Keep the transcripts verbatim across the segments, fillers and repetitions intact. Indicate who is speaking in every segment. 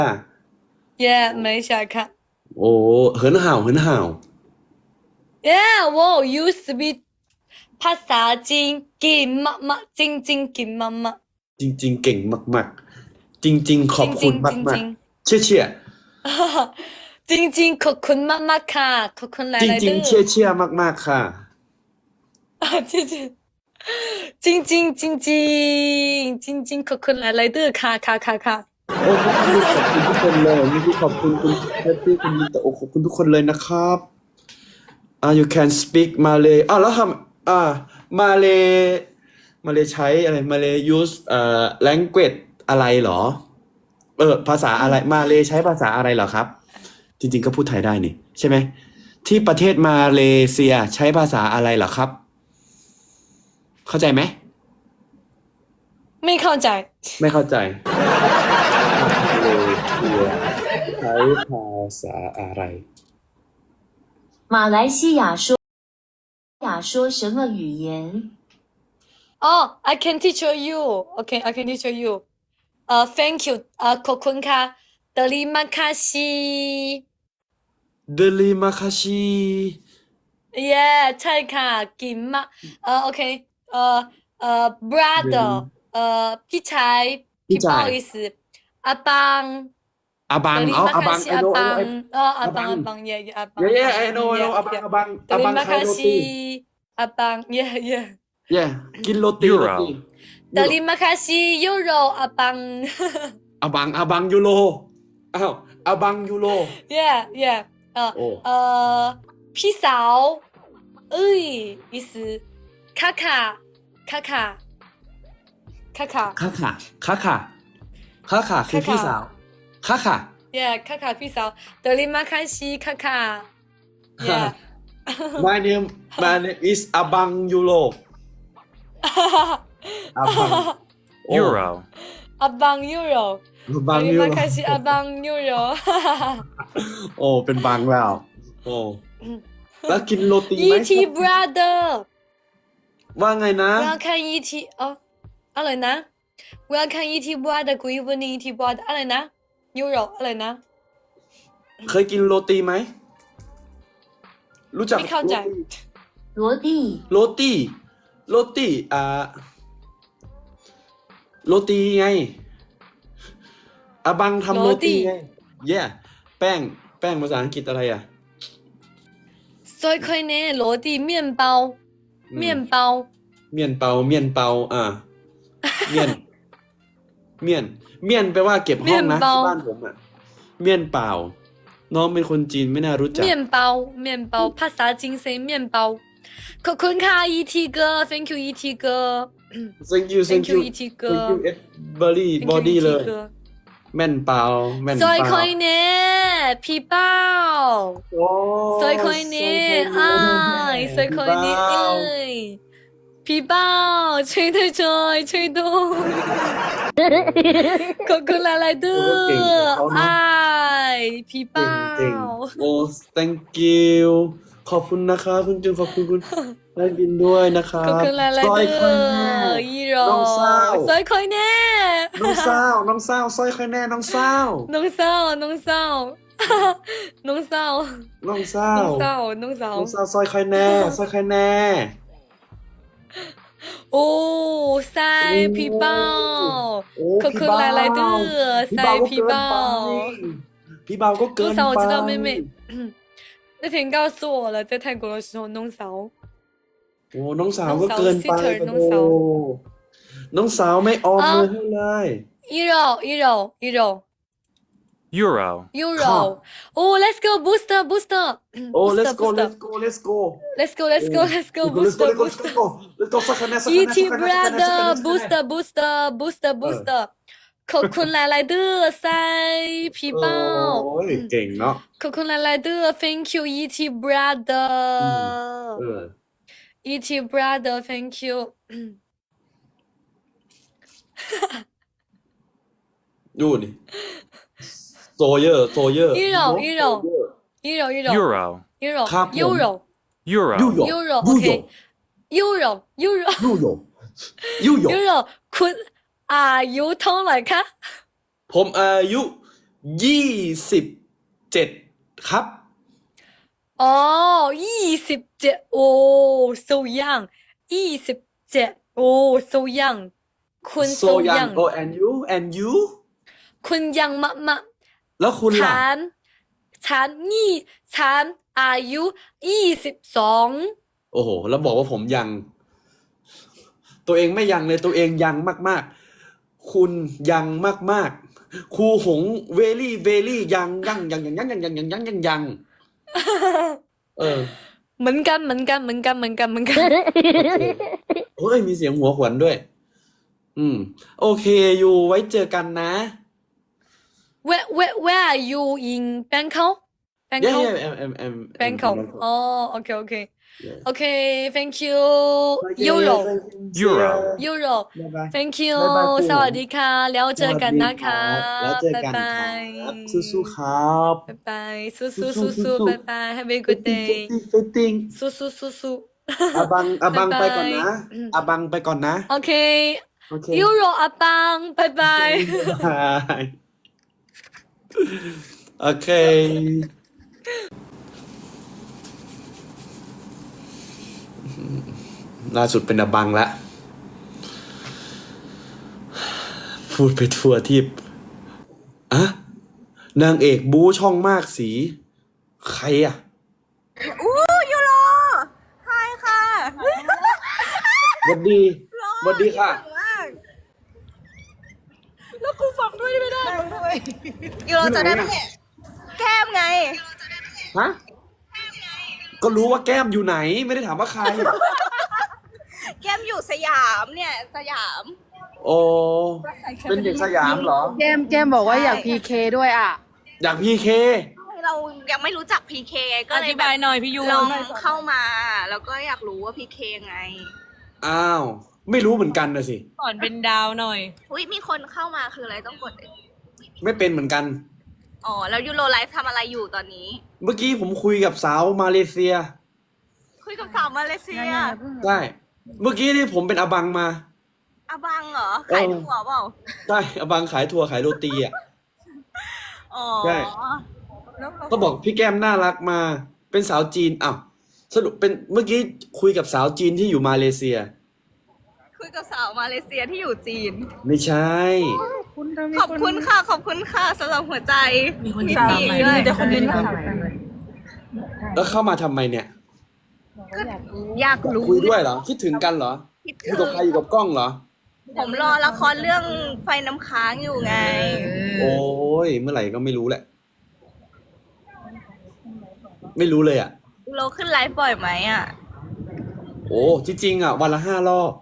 Speaker 1: Yeah，没想看。
Speaker 2: 哦，很好，很好。
Speaker 1: Yeah，我 you speak ภาษาจีนเก่งมากๆจริงๆเก่งมาก
Speaker 2: จริงๆเก่งมากๆจริงๆข
Speaker 1: ๆจ
Speaker 2: อบคุณ
Speaker 1: ริงๆจ
Speaker 2: มาก
Speaker 1: ริง
Speaker 2: ๆเชี่ยเชี่ย
Speaker 1: ๆจริงๆขอบคุณมากๆค่ะขอบคุณห
Speaker 2: จ
Speaker 1: ลายๆเด้อ
Speaker 2: ริงๆเชี่ยเชี่ยมากๆค่ะ
Speaker 1: อ่ะจริงๆจริงจริงจริงจริงจริงจริงๆขอบคุณหลายๆเด้อค่ะค่ะค่ะค่ะ
Speaker 2: โอ้เมื่อกี้ขอบคุณทุกคนเลยเมื่อกี้ขอบคุณคุณเจสซี่คุณมิตโอขอบคุณทุกคนเลยนะครับอ่า you can speak Malay อ้าวแล้วทำอ่า Malay Malay ใช้อะไร Malay use เอ่อ language อะไรเหรอเออภาษาอะไร Malay ใช้ภาษาอะไรเหรอครับจริงๆก็พูดไทยได้นี่ใช่ไหมที่ประเทศมาเลเซียใช้ภาษาอะไรเหรอครับเข้าใจไหม
Speaker 1: ไม่เข้าใจ
Speaker 2: ไม่เข้าใจมาเลเซียใช้ภาษาอะไร
Speaker 3: 马来西亚说亚说什么语言？
Speaker 1: 哦 I can teach you okay I can teach you เอ่อ thank you เอ่อขอบคุณค่ะ terima kasih
Speaker 2: เดลิมาคาชิ
Speaker 1: yeah ใช่ค่ะเก่งมากเอ่อโอเคเอ่อเอ่อ brother เอ่อพี่ชาย
Speaker 2: พี่
Speaker 1: พี่不
Speaker 2: จ่าย
Speaker 1: 好意思อาบัง
Speaker 2: อาบังเอา
Speaker 1: terima
Speaker 2: อาบัง
Speaker 1: kasih
Speaker 2: ไอโนไอโนไอ
Speaker 1: abang oh
Speaker 2: อาบั
Speaker 1: abang
Speaker 2: ง
Speaker 1: abang yeah yeah
Speaker 2: เย่
Speaker 1: abang
Speaker 2: เย่ไอ
Speaker 1: abang
Speaker 2: โนไอโน
Speaker 1: yeah
Speaker 2: อาบัง
Speaker 1: yeah
Speaker 2: อาบังอาบัง
Speaker 1: terima
Speaker 2: ขายโรตี
Speaker 1: kasih abang yeah yeah
Speaker 2: เย่กินโรตีโร
Speaker 4: Euro
Speaker 2: ตี
Speaker 1: terima kasih euro abang
Speaker 2: อาบังอาบังยูโรอ้าวอาบังยูโร
Speaker 1: yeah yeah เอ่อ
Speaker 2: โอ้
Speaker 1: เอ่อพี่สาวเอ้ย意思卡卡卡卡卡卡
Speaker 2: ค่าค่ะค่าค่ะค่าค่ะคือพี่สาวค่าค่ะ
Speaker 1: yeah 卡卡พี่สาว terima kasih 卡卡 yeah
Speaker 2: My name my name is อาบังยูโรอาบังโอ้
Speaker 4: Euro,
Speaker 1: abang euro
Speaker 2: อาบังยู
Speaker 1: terima
Speaker 2: โร
Speaker 1: kasih abang euro
Speaker 2: โอ้เป็นบังแล้วโอ้แล้วกินโรตีไหม
Speaker 1: E T brother
Speaker 2: ว่าไงนะ
Speaker 1: 我要看 E T 哦อะไรนะ我要看 E T brother good evening E T brother อะไรนะ euro อะไรนะ
Speaker 2: เคยกินโรตีไหมรู้จัก
Speaker 1: ไม่เข้าใจ
Speaker 3: 罗蒂，
Speaker 2: โรตีโรตีอ่าโรตีไงอาบังทำโรตีไง yeah แป้งแป้งภาษาอังกฤษอะไรอ่ะ
Speaker 1: 所以可以呢罗蒂面包面包
Speaker 2: เมียนเปาเมียนเปาอ่าเมียน เมียน เมียนแปลว่าเก็บห้องนะที่บ้านผมอ่ะ เมียนเปล่า น้องเป็นคนจีนไม่น่ารู้จัก
Speaker 1: 面包面包ภาษาจีนเซ面包ขอบคุณค่ะ E T 哥 thank you E T 哥
Speaker 2: thank you
Speaker 1: thank
Speaker 2: thank
Speaker 1: you
Speaker 2: you
Speaker 1: E T 哥
Speaker 2: thank you e v e r y
Speaker 1: thank
Speaker 2: body
Speaker 1: you E
Speaker 2: เล
Speaker 1: T
Speaker 2: ย
Speaker 1: 哥
Speaker 2: แม่นเปล่าแม่น
Speaker 1: 所
Speaker 2: เป
Speaker 1: 以
Speaker 2: ล่า
Speaker 1: 可以呢皮包
Speaker 2: โอ้
Speaker 1: 所以可以呢哎所以可以呢哎皮包吹对吹吹对ขอบคุณหลายๆเด้อไอ้皮包
Speaker 2: เก่งๆโอ้ thank you ขอบคุณนะคะคุณจุนขอบคุณคุณได้บินด้วยนะคะ
Speaker 1: ขอบคุณหลายๆ
Speaker 2: ซอย
Speaker 1: เด้
Speaker 2: ค่อยแน่
Speaker 1: ออีโร
Speaker 2: น้องสาว
Speaker 1: ซอยคอยแน่
Speaker 2: น้องสาวน้องสาวซอยค่อยแน่น้องสาว
Speaker 1: น้องสาวน้องสาวน้องสาว
Speaker 2: น้องสา
Speaker 1: น้อ
Speaker 2: ว
Speaker 1: งสาวน้องสาว
Speaker 2: น้องสาวซอยค่อยแน่ซอยค่อยแน่
Speaker 1: โอ้ใส่พี่เป้า
Speaker 2: โอ้
Speaker 1: ขอบคุณหลายๆเด้อ
Speaker 2: พี่
Speaker 1: ใส่
Speaker 2: เบาก็
Speaker 1: พี่
Speaker 2: เกิน
Speaker 1: เป้า
Speaker 2: ไปพี่เบาก็เกิ
Speaker 1: น้อง
Speaker 2: น
Speaker 1: สาว我
Speaker 2: ไป
Speaker 1: 知道妹妹那天告诉我了在泰国的时候น้องสาว
Speaker 2: โอ้น้องสาวก็เกินไป
Speaker 1: น้องสาว sister น้องสาว
Speaker 2: โอ้น้องสาวไม่ออมมือให้เลย
Speaker 1: อีโรอีโรอีโร
Speaker 4: Euro,
Speaker 1: Euro โอ้ let's go booster booster
Speaker 2: โอ้
Speaker 1: booster
Speaker 2: let's go
Speaker 1: booster
Speaker 2: let's go let's go
Speaker 1: let's go let's go let's go
Speaker 2: let's
Speaker 1: booster
Speaker 2: go let's
Speaker 1: booster
Speaker 2: go let's goสักคะแนนสักคะแนน
Speaker 1: E
Speaker 2: สัก
Speaker 1: T
Speaker 2: คะแนนสักคะแนนสักคะแน
Speaker 1: brother
Speaker 2: น
Speaker 1: booster booster booster booster ขอบคุณหลายๆเด้อใส่พี่เป้า
Speaker 2: โอ้ยเก่งเนาะ
Speaker 1: ขอบคุณหลายๆเด้อ thank you E T brother
Speaker 2: เออ
Speaker 1: E T brother thank you
Speaker 2: ดูนี่โซเยอร์โซเยอร์
Speaker 1: อีโรอีโรอีโรอีโร
Speaker 4: Euro,
Speaker 1: อีโร
Speaker 2: ครับผม
Speaker 1: ยูโร
Speaker 4: Euro,
Speaker 2: ยูโย
Speaker 1: ยูโร
Speaker 2: ยู
Speaker 1: โอเค
Speaker 2: โย
Speaker 1: ยูโรยูโร
Speaker 2: ยูโยยูโย
Speaker 1: ยูโรคุณอายุเท่าไหร่คะ
Speaker 2: ผมอายุยี่สิบเจ็ดครับ
Speaker 1: 哦，二十เจ็ดโอ้ so young ยี่สิบเจ็ดโอ้ so young คุณ
Speaker 2: so
Speaker 1: so
Speaker 2: young
Speaker 1: young
Speaker 2: oh and you and you
Speaker 1: คุณยังมากมาก
Speaker 2: แล้วคุณล่ะ
Speaker 1: ฉันฉันนี่ฉันอายุยี่สิบสอง
Speaker 2: โอ้โห แล้วบอกว่าผมยัง ตัวเองไม่ยังเลยตัวเองยังมากๆ คุณยังมากๆ ครูหงเวลี่เวลี่ยังยังยังยังยังยังยังยังยังยังยังเออ
Speaker 1: เหมือนกันเหมือนกันเหมือนกันเหมือนกันเหมือนกัน
Speaker 2: โอเคเฮ้ยมีเสียงหัวขวัญด้วย อืม โอเคอยู่ไว้เจอกันนะ
Speaker 1: where where where are you in Bangkok
Speaker 2: yeah
Speaker 1: Bangkok
Speaker 2: yeah I'm I'm I'm
Speaker 1: Bangkok
Speaker 2: Bangkok.
Speaker 1: oh okay okay
Speaker 2: Yeah.
Speaker 1: okay thank you
Speaker 2: Okay,
Speaker 1: Euro
Speaker 4: Euro
Speaker 1: Euro
Speaker 2: บ๊ายบาย
Speaker 1: thank you
Speaker 2: บ๊ายบายครู
Speaker 1: สวัสดีค่ะ แล้วเจอกันนะคะ
Speaker 2: แล้วเจอกันครับ สู้ๆครับ
Speaker 1: บ๊ายบายสู้
Speaker 2: สู้
Speaker 1: สู้
Speaker 2: ๆ
Speaker 1: สู้สู้
Speaker 2: สู้ๆ
Speaker 1: บ๊ายบาย have a good day
Speaker 2: ฟิตติ้ง
Speaker 1: สู้สู้สู้สู้
Speaker 2: อาบังอาบัง
Speaker 1: บ๊าย
Speaker 2: ไป
Speaker 1: บาย
Speaker 2: ก่อนนะอาบังไปก่อนนะ
Speaker 1: โอเค
Speaker 2: โอเค
Speaker 1: ยูโรอาปังบ๊ายบาย
Speaker 2: บายโอเค ล่าสุดเป็นอาบังละ พูดไปทั่วทิพย์อะนางเอกบู๊ช่องมากสี ใครอ่ะ
Speaker 5: อู้ยูโรไฮค่ะ
Speaker 2: หวัดดีหวัดดีค่ะ
Speaker 5: แล้วกูฟังด้วยไม่ได้ยูโรจะได้ไหมแก้มไง
Speaker 2: ฮะ ก็รู้ว่าแก้มอยู่ไหน ไม่ได้ถามว่าใคร
Speaker 5: แก้มอยู่สยามเนี่ยสยาม
Speaker 2: โอ้เป็นเด็กสยามเหรอ
Speaker 6: แก้มแก้มบอกว่าอยาก
Speaker 5: ใช่
Speaker 6: พีเคด้วยอ่ะ
Speaker 2: อยากพีเค
Speaker 5: เรายังไม่รู้จักพีเคก็
Speaker 7: อ
Speaker 5: เลย
Speaker 7: ธิ
Speaker 5: แบบ
Speaker 7: ายหน่อยพี่ยู
Speaker 5: ลองเข้ามา แล้วก็อยากรู้ว่าพีเคไง
Speaker 2: อ้าว ไม่รู้เหมือนกันนะสิ
Speaker 7: สอนเป็นดาวหน่อย
Speaker 5: อุ้ยมีคนเข้ามาคืออะไรต้องกด
Speaker 2: ไม่เป็นเหมือนกัน
Speaker 5: อ๋อแล้วยูโรไลฟ์ทำอะไรอยู่ตอนนี้
Speaker 2: เมื่อกี้ผมคุยกับสาวมาเลเซีย
Speaker 5: คุยกับสาวมาเลเซีย
Speaker 2: ใช่ เมื่อกี้นี่ผมเป็นอบังมา
Speaker 5: อาบังเหรอขายถั่วเปล่า
Speaker 2: ใช่อบังขายถั่วขายโรตีอ่ะ
Speaker 5: อ๋อ
Speaker 2: ใช่
Speaker 5: แล้วเขา
Speaker 2: ก็บอกพี่แก้มน่ารักมา เป็นสาวจีนอ้าวสรุปเป็นเมื่อกี้คุยกับสาวจีนที่อยู่มาเลเซีย
Speaker 5: คุยกับสาวมาเลเซียที่อยู่จีน
Speaker 2: ไม่ใช่
Speaker 5: ขอบคุณค่ะ ขอบคุณค่ะสำหรับหัวใจ
Speaker 7: มีคน
Speaker 5: ยิ
Speaker 7: ตาม
Speaker 5: ดี
Speaker 7: ไหม
Speaker 5: ด้วย
Speaker 7: มีแต่คนเดินตาม
Speaker 2: แล้วเข้ามาทำไมเนี่ย
Speaker 5: ก็อยากรู้
Speaker 2: คุยด้วยเหรอ คิดถึงกันเหรอ
Speaker 5: คิด
Speaker 2: อยู่
Speaker 5: ถึ
Speaker 2: กับ
Speaker 5: ง
Speaker 2: ใครอยู่กับกล้องเหรอ
Speaker 5: ผมรอละครเรื่องไฟน้ำค้างอยู่ไง
Speaker 2: โอ้ยเมื่อไหร่ก็ไม่รู้แหละ ไม่รู้เลยอ่ะ
Speaker 5: เราขึ้นไลฟ์บ่อยไหมอ่ะ
Speaker 2: โอ้จริงๆอ่ะ วันละห้ารอบ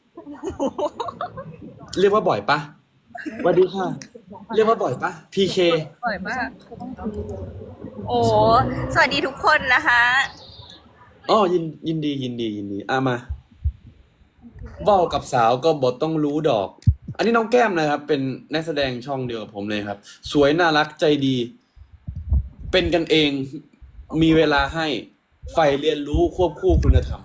Speaker 2: เรียกว่าบ่อยปะสวัสดีค่ะ เรียกว่าบ่อยปะ พีเค
Speaker 5: บ่อยมาก โอ้ สวัสดีทุกคนนะคะ
Speaker 2: อ๋อยินยินดียินดียินดีอ่ะมาเว้ากับสาวก็บทต้องรู้ดอก อันนี้น้องแก้มนะครับ เป็นนักแสดงช่องเดียวกับผมเลยครับ สวยน่ารักใจดี เป็นกันเอง มีเวลาให้ใฝ่เรียนรู้ควบคู่คุณธรรม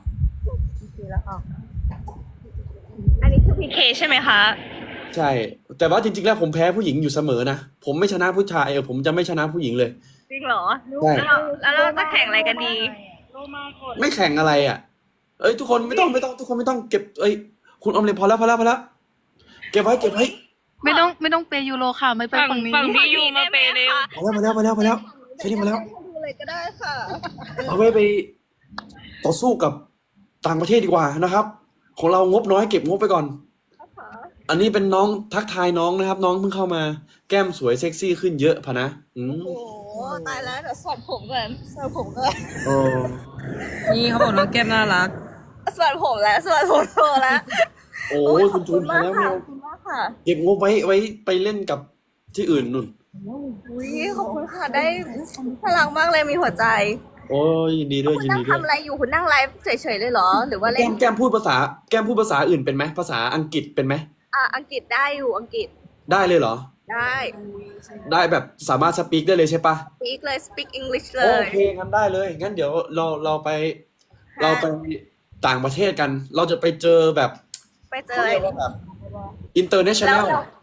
Speaker 5: อันนี้คือพีเคใช่ไหมคะ
Speaker 2: ใช่ แต่ว่าจริงๆแล้วผมแพ้ผู้หญิงอยู่เสมอนะ ผมไม่ชนะผู้ชายเออผมจะไม่ชนะผู้หญิงเลย
Speaker 5: จริงเหรอ
Speaker 2: ใช่
Speaker 5: แล้วเราแล้วเราจะแข่งอะไรกันดี
Speaker 2: ไม่แข่งอะไรอ่ะ เอ้ยทุกคนไม่ต้องไม่ต้องทุกคนไม่ต้องเก็บเอ้ยคุณออมเล็ตพอแล้วพอแล้วพอแล้วเก็บไว้เก็บไว้
Speaker 6: ไม่ต้องไม่ต้องเปย์ยูโรค่ะ ไม่ไป
Speaker 7: ฝั่ง
Speaker 6: ฝั่งนี้
Speaker 7: ฝั่งพี่ยูมาเปย์เร็ว
Speaker 2: พอแล้วพอแล้วพอแล้วพอแล้วแค่นี้พอแล้ว
Speaker 5: ดูเลยก็ได้ค่ะ
Speaker 2: เอาไว้ไปต่อสู้กับต่างประเทศดีกว่านะครับ ของเรางบน้อยเก็บงบไปก่อน อันนี้เป็นน้องทักทายน้องนะครับ น้องเพิ่งเข้ามาแก้มสวยเซ็กซี่ขึ้นเยอะพะนะอืม
Speaker 5: โอ้ตายแล้วเดี๋ยวสวัสดผมก่อนสวัสดผมก่อน
Speaker 2: โอ้
Speaker 7: นี่เขาบอกน้องแก้มน่ารัก
Speaker 5: สวัสดผมแล้วสวัสดผมโตแล้ว
Speaker 2: โอ้ยคุณจูนพอแล้ว
Speaker 5: ค่ะ
Speaker 2: เนี่ย
Speaker 5: ขอบคุณมากค่ะ
Speaker 2: เก็บงบไว้ไว้ไปเล่นกับที่อื่นนุ่น
Speaker 5: อุ้ยขอบคุณค่ะได้พลังมากเลยมีหัวใจ
Speaker 2: โอ้ยยินดีด้วย
Speaker 5: คุณ
Speaker 2: ยิน
Speaker 5: นั่ง
Speaker 2: ดีด้วย
Speaker 5: ทำอะไรอยู่คุณนั่งไลฟ์เฉยๆเลยเหรอ หรือว่าเล่
Speaker 2: แก้
Speaker 5: น
Speaker 2: มแก้มพูดภาษาแก้มพูดภาษาอื่นเป็นไหมภาษาอังกฤษเป็นไหม
Speaker 5: อ่ะอังกฤษได้อยู่อังกฤษ
Speaker 2: ได้เลยเหรอ
Speaker 5: ได้
Speaker 2: ได้แบบสามารถสปีกได้เลยใช่ปะ
Speaker 5: speak เลย speak English เล
Speaker 2: โอย เคงั้นได้เลย งั้นเดี๋ยวเราเราไป เราไปต่างประเทศกัน เราจะไปเจอแบบ
Speaker 5: ไปเจ
Speaker 2: เขา
Speaker 5: อ
Speaker 2: เรียกว่าแบบ international
Speaker 5: แล้ว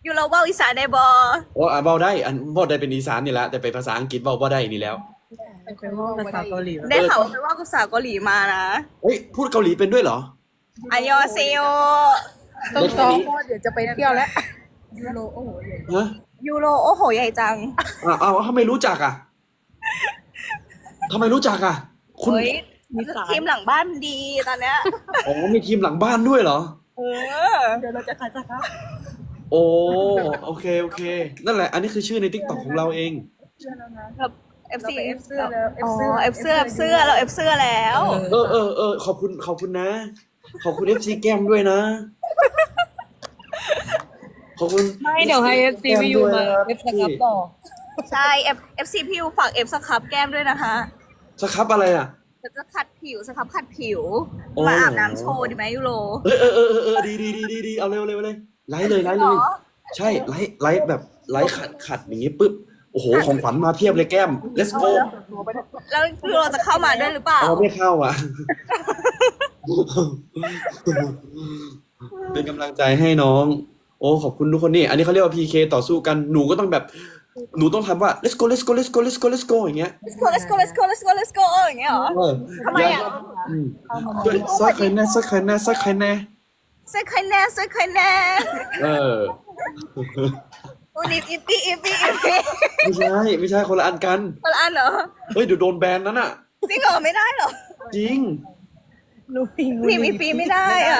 Speaker 5: ยูโรเว่าอีสานได้บอ
Speaker 2: โอ้อ่ะเบาได้อันเบาได้เป็นอีสานนี่แหละแต่ไปภาษาอังกฤษเบาบ่ได้นี่แล้ว
Speaker 7: ภาษาเกาหลี
Speaker 5: ได้ข่าวว่าไปว่ากับสาวเกาหลีมานะ
Speaker 2: เฮ้ยพูดเกาหลีเป็นด้วยเหรอ
Speaker 5: อันยอเซโย
Speaker 6: ต้องซ้อมเพราะว่าเดี๋ยวจะไปเที่ยวแล้ว
Speaker 2: ฮะ
Speaker 5: ยูโรโอ้โหใหญ่จัง
Speaker 2: อ่าอ้าวทำไมรู้จักอ่ะทำไมรู้จักอ่ะ คุณ
Speaker 5: เฮ้ยทีมหลังบ้านดีตอนเนี้ย
Speaker 2: อ๋อมีทีมหลังบ้านด้วยเหรอ
Speaker 5: เออเดี๋ยวเราจะขาดจาก
Speaker 2: โอ้โอเคโอเค นั่นแหละ อันนี้คือชื่อในทิกตอกของเราเอง
Speaker 5: แบบเอฟซีเอฟเสื้อแล้วอ๋อเอฟเสื้อเอฟเสื้อเราเอฟเสื้อแล้ว
Speaker 2: เออเออเออขอบคุณขอบคุณนะ ขอบคุณเอฟซีแก้มด้วยนะ ขอบคุณ
Speaker 7: ไม่เดี๋ยวให้ เอฟ ซี พี่ยูมา เอฟ สครับต่อ
Speaker 5: ใช่เอฟเอฟซีพิวฝากเอฟสครับแก้มด้วยนะคะ
Speaker 2: สครับอะไรอ่ะ
Speaker 5: จะจะขัดผิวสครับขัดผิว
Speaker 2: โอ้
Speaker 5: มาอาบน้ำโชว์ดีไหมยูโร
Speaker 2: เออเออเออเออเออดีดีดีดีดีเอาเร็วเร็วเลยไลฟ์เลยไลฟ์เลย
Speaker 5: เหรอ
Speaker 2: ใช่ไลฟ์ไลฟ์แบบไลฟ์ขัดขัดอย่างงี้ปุ๊บโอ้โหของขวัญมาเพียบเลยแก้ม let's go
Speaker 5: แล้วยูโรจะเข้ามาด้วยหรือเปล่า
Speaker 2: เอาไม่เข้าอ่ะ เป็นกำลังใจให้น้อง โอ้ขอบคุณทุกคนนี่ อันนี้เขาเรียกว่า พี เค ต่อสู้กันหนูก็ต้องแบบหนูต้องทำว่า let's go let's go let's go let's go let's go อย่างเงี้ย
Speaker 5: let's go let's go let's go let's go let's go อย่างเงี้ยเหรอ
Speaker 2: เออ
Speaker 5: ทำไมอ่ะ
Speaker 2: อืมสักใครแน่สักใครแน่สักใครแน่
Speaker 5: เซ็กใครแน่เซ็กใครแน่
Speaker 2: เออ
Speaker 5: วันนี้อีปีอีปีอีปี
Speaker 2: ไม่ใช่ไม่ใช่คนละอันกัน
Speaker 5: คนละอันเหรอ
Speaker 2: เฮ้ยเดี๋ยวโดนแบนนั้นอ่ะ
Speaker 5: จริงเหรอไม่ได้เหรอ
Speaker 2: จริง
Speaker 5: พิมพ์อีปีไม่ได้อ่ะ